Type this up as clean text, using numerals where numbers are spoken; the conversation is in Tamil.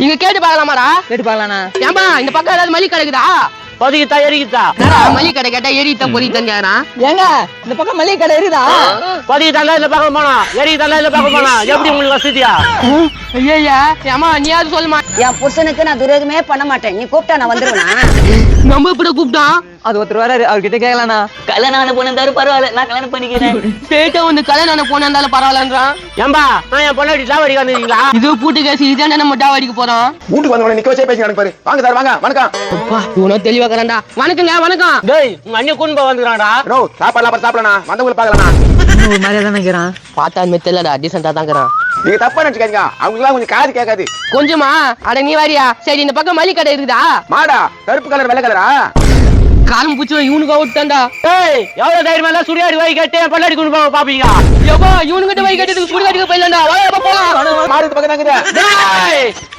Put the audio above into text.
இங்க கேட்டு பாக்கலாமாடா? கேட்டு பாக்கலாண்ணா. ஏம்பா இந்த பக்கம் ஏதாவது மளிகை கிடைக்குதா? பொதிக்கிட்டா எரிக்கிட்டா மளிகை கடை கேட்டா எரித்தா பொறித்தான் கேக்குறான். ஏங்க இந்த பக்கம் மளிகை கடை இருக்குதா? பொதிக்கிட்டாண்டா இல்ல பார்க்க போனா எரிக்கிட்டாண்டா இல்ல பார்க்க போனா எப்படி உங்களுக்கு வசதியா? ஐயா ஏமா நீயாவது சொல்லுமா. என் புருஷனுக்கு நான் துரோகமே பண்ண மாட்டேன். நீ கூப்பிட்டா நான் வந்துருவேனா? நம்ம இப்படி கூப்பிட்டான். அது ஒருத்தர் வராரு, அவர்கிட்ட கேட்கலாண்ணா. கல்யாணம் ஆன பொண்ணு இருந்தாரு பரவாயில்ல, நான் கல்யாணம் பண்ணிக்கிறேன். பேட்ட வந்து கல்யாணம் போன இருந்தாலும் பரவாயில்லன்றான். ஏம்பா நான் என் பொண்ணாடி லாவடி வந்தீங்களா? இது பூட்டு கேசி இதான் நம்ம டாவடிக்கு போறோம். வீட்டுக்கு வந்தவன நிக்க வச்சே பேசி பாரு. வாங்க சார் வாங்க. வணக்கம். அப்பா இவனோ தெளிவா கறண்டா. வணக்கங்க வணக்கம். டேய் உங்க அண்ணன் கூண்டு வந்துறான்டா. ரோ சாப்பாடுலாம் சாப்பிடலாம். வந்தவங்கள பாக்கலண்ணா. ஒரு மாதிரியா தான் நினைக்கிறான். பார்த்தா அது மெத்தலடா டீசெண்டா தாங்கறான். நீங்க தப்பா நினைச்சுக்காதீங்க. அவங்களாம் கொஞ்சம் காது கேட்காது. கொஞ்சமா அட நீ வாரியா? சரி இந்த பக்கம் மளிகை கடை இருக்குதா? மாடா கருப்பு கலர் வெள்ளை கலரா? காலம் பூச்சி இவனுக்கு அவுட்டான்டா. டேய் எவ்வளவு தைரியமா இருந்தா சுடியாடி வை கட்டி என் பொண்டாடி கூண்டு போக பாப்பீங்க. யப்பா இவனுக்கிட்ட வை கட்டிட்டு சுடுகாட்டுக்கு போயிடலாம்டா. வா போலாம். மாடு பக்கம் தாங்க. டேய்